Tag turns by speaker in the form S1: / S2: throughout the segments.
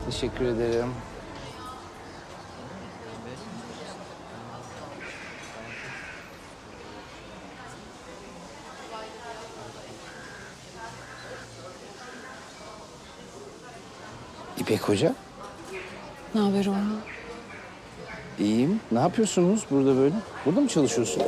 S1: Teşekkür ederim. İpek Hoca,
S2: Ne haber Orhan?
S1: iyiyim. Ne yapıyorsunuz burada böyle? Burada mı çalışıyorsun?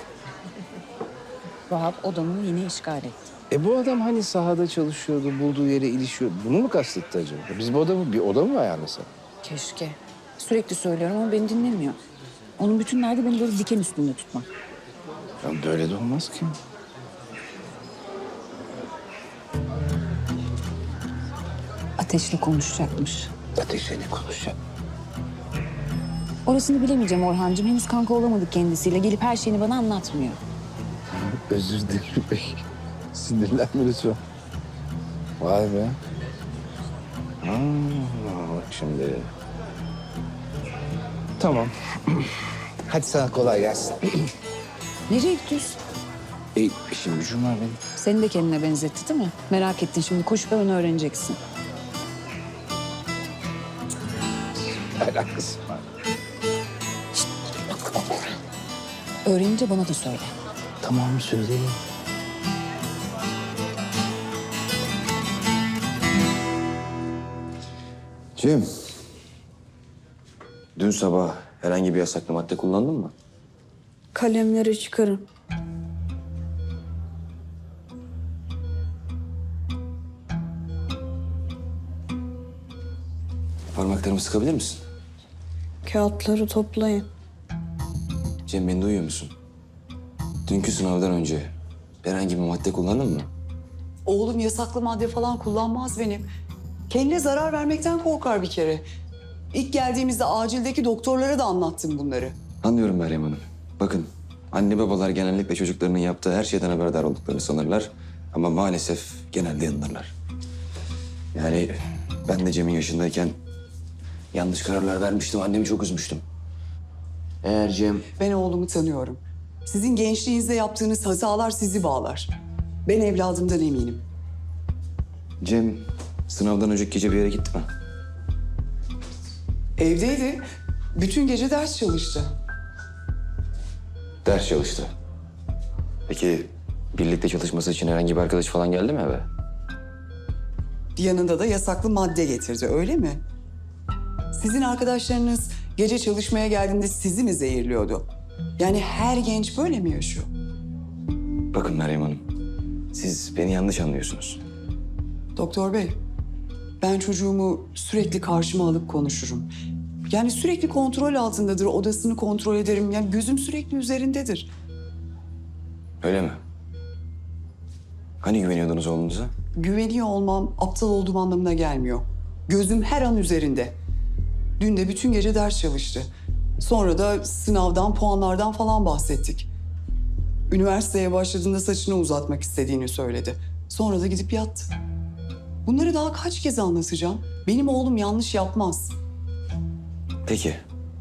S2: Vahap odamı yine işgal etti.
S1: Bu adam hani sahada çalışıyordu, bulduğu yere ilişiyor. Bunu mu kastetti acaba? Biz bu adamı, bir oda mı ayarlasak?
S2: Keşke. Sürekli söylüyorum ama beni dinlemiyor. Onun bütün derdi beni böyle diken üstünde tutmak.
S1: Ya böyle de olmaz ki.
S2: Ateşle konuşacakmış.
S1: Ateşle ne konuşacak?
S2: Orasını bilemeyeceğim Orhancığım. Henüz kanka olamadık kendisiyle. Gelip her şeyini bana anlatmıyor.
S1: Özür dilerim İpek. Sinirlenme lütfen. Vay be. Bak şimdi. Tamam. Hadi sana kolay gelsin.
S2: Nereye gidiyorsun?
S1: İşim gücüm var benim.
S2: Seni de kendine benzetti değil mi? Merak ettin şimdi koşup hemen öğreneceksin.
S1: Alakası var.
S2: Öğrenince bana da söyle.
S1: Tamam söyleyeyim.
S3: Cem, dün sabah herhangi bir yasaklı madde kullandın mı?
S2: Kalemleri çıkarın.
S3: Parmaklarımı sıkabilir misin?
S2: Kağıtları toplayın.
S3: Cem, beni duyuyor musun? Dünkü sınavdan önce herhangi bir madde kullandın mı?
S4: Oğlum yasaklı madde falan kullanmaz benim. Kendine zarar vermekten korkar bir kere. İlk geldiğimizde acildeki doktorlara da anlattım bunları.
S3: Anlıyorum Meryem Hanım. Bakın, anne babalar genellikle çocuklarının yaptığı her şeyden haberdar olduklarını sanırlar. Ama maalesef genelde yanılırlar. Yani ben de Cem'in yaşındayken yanlış kararlar vermiştim. Annemi çok üzmüştüm. Eğer Cem...
S4: Ben oğlumu tanıyorum. Sizin gençliğinizde yaptığınız hatalar sizi bağlar. Ben evladımdan eminim.
S3: Cem sınavdan önceki gece bir yere gitti mi?
S4: Evdeydi. Bütün gece ders çalıştı.
S3: Ders çalıştı. Peki birlikte çalışması için herhangi bir arkadaş falan geldi mi eve?
S4: Yanında da yasaklı madde getirdi, öyle mi? Sizin arkadaşlarınız gece çalışmaya geldiğinde sizi mi zehirliyordu? Yani her genç böyle mi yaşıyor?
S3: Bakın Meryem Hanım, siz beni yanlış anlıyorsunuz.
S4: Doktor bey, ben çocuğumu sürekli karşıma alıp konuşurum. Yani sürekli kontrol altındadır, odasını kontrol ederim. Yani gözüm sürekli üzerindedir.
S3: Öyle mi? Hani güveniyordunuz oğlunuza?
S4: Güveniyor olmam aptal olduğum anlamına gelmiyor. Gözüm her an üzerinde. Dün de bütün gece ders çalıştı. Sonra da sınavdan, puanlardan falan bahsettik. Üniversiteye başladığında saçını uzatmak istediğini söyledi. Sonra da gidip yattı. Bunları daha kaç kez anlatacağım? Benim oğlum yanlış yapmaz.
S3: Peki.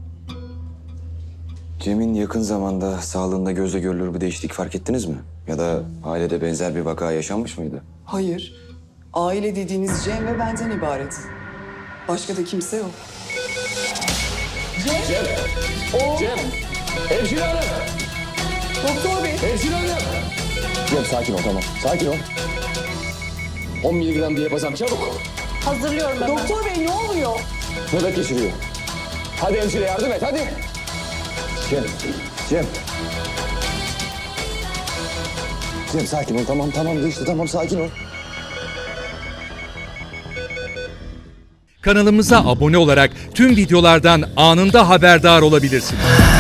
S3: Cem'in yakın zamanda sağlığında gözle görülür bir değişiklik fark ettiniz mi? Ya da ailede benzer bir vaka yaşanmış mıydı?
S4: Hayır. Aile dediğiniz Cem ve benden ibaret. Başka da kimse yok.
S5: Hemşire hanım!
S4: Doktor bey.
S5: Hemşire hanım! Cem sakin ol, tamam. Sakin ol. 10 miligram diyapazam, çabuk.
S4: Doktor bey ne oluyor?
S5: Nöbet geçiriyor. Hadi hemşire yardım et, hadi. Cem, Cem. Cem sakin ol, tamam geçti, tamam sakin ol.
S6: Kanalımıza abone olarak tüm videolardan anında haberdar olabilirsiniz.